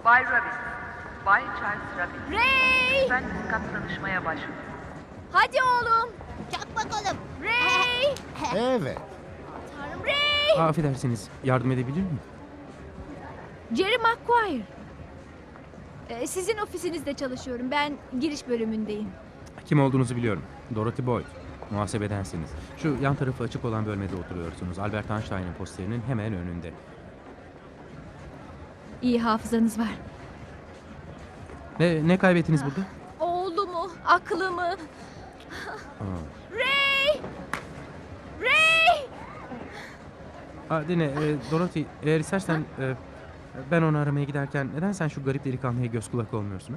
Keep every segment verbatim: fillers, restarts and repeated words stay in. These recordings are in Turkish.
Bay Rabbit, Bay Charles Rabbit. Ray! Lütfen üst kat tanışmaya başvurun. Hadi oğlum. Çak bakalım. Ray! Evet. Tanrım Ray! Aa, affedersiniz, yardım edebilir miyim? Jerry Maguire. Ee, sizin ofisinizde çalışıyorum. Ben giriş bölümündeyim. Kim olduğunuzu biliyorum. Dorothy Boyd. Muhasebedensiniz. Şu yan tarafı açık olan bölmede oturuyorsunuz. Albert Einstein'ın posterinin hemen önünde. İyi hafızanız var. Ne, ne kaybettiniz burada? Oğlumu, aklımı. Aa. Ray! Ray! Aa, dinle, e, Dorothy, eğer istersen e, ben onu aramaya giderken neden sen şu garip delikanlıya göz kulak olmuyorsun? Ha?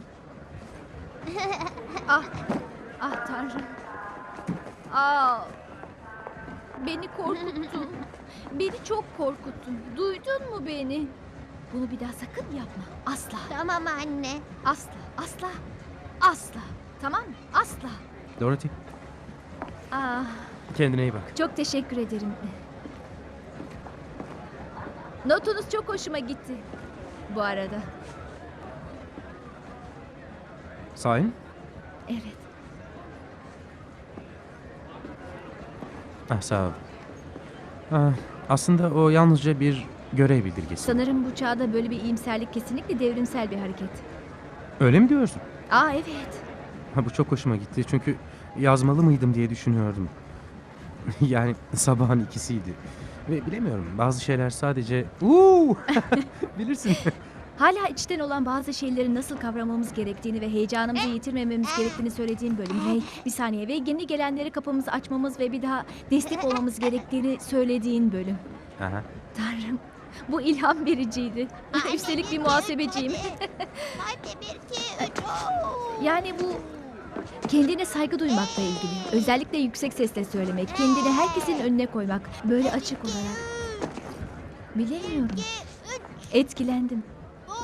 Ah, ah Tanrım. Ah, beni korkuttun. Beni çok korkuttun. Duydun mu beni? Bunu bir daha sakın yapma. Asla, Tamam anne. asla, asla, asla. Tamam mı? Asla. Dorothy, Ah, kendine iyi bak. çok teşekkür ederim. Notunuz çok hoşuma gitti. Bu arada. Sahi mi? Evet. Ah, sağ ol. Ah, aslında o yalnızca bir görev bildirgesi. Sanırım bu çağda böyle bir iyimserlik kesinlikle devrimsel bir hareket. Öyle mi diyorsun? Aa evet. Ha, bu çok hoşuma gitti çünkü yazmalı mıydım diye düşünüyordum. Yani sabahın ikisiydi. Ve bilemiyorum, bazı şeyler sadece... Uuu! Bilirsin. Hala içten olan bazı şeyleri nasıl kavramamız gerektiğini ve heyecanımızı yitirmememiz gerektiğini söylediğin bölüm. Ray, bir saniye ve yeni gelenlere kapımızı açmamız ve bir daha destek olmamız gerektiğini söylediğin bölüm. Aha. Tanrım, bu ilham vericiydi. Üstelik bir muhasebeciyim. Hadi bir, iki, üç. Oo. Yani bu kendine saygı duymakla ilgili. Özellikle yüksek sesle söylemek, kendini herkesin önüne koymak. Böyle açık olarak. Bilemiyorum. İki, üç. Etkilendim. Oo.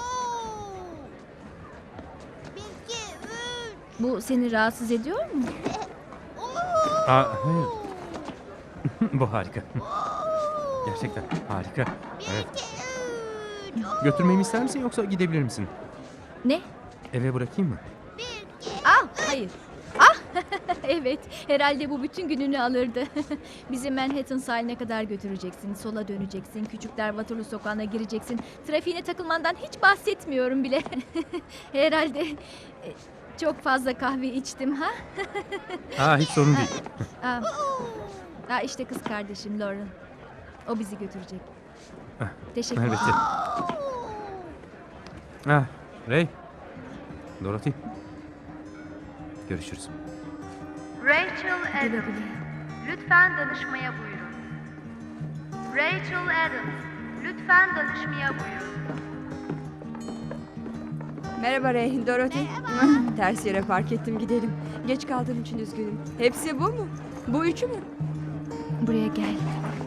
Bir, iki, üç. Bu seni rahatsız ediyor mu? Oo. Aa, hayır. Bu harika. Oo. Gerçekten harika. Bir, Evet. iki, üç. Oo. Götürmemi ister misin yoksa gidebilir misin? Ne? Eve bırakayım mı? Bir, iki, Ah, hayır. Ah, evet. Herhalde bu bütün gününü alırdı. Bizi Manhattan sahiline kadar götüreceksin. Sola döneceksin. Küçükler Waterloo sokağına gireceksin. Trafiğine takılmandan hiç bahsetmiyorum bile. Herhalde e, çok fazla kahve içtim ha? Aa, hiç sorun değil. Aa, aa, işte kız kardeşim Lauren. O bizi götürecek. Ah, Teşekkür elbette. ederim. Ah, Ray. Dorothy. Görüşürüz. Rachel Güle Adams, güle. lütfen danışmaya buyurun. Rachel Adams, lütfen danışmaya buyurun. Merhaba Ray, Dorothy. Ters yere park ettim, gidelim. Geç kaldığım için üzgünüm. Hepsi bu mu? Bu üçü mü? Buraya gel.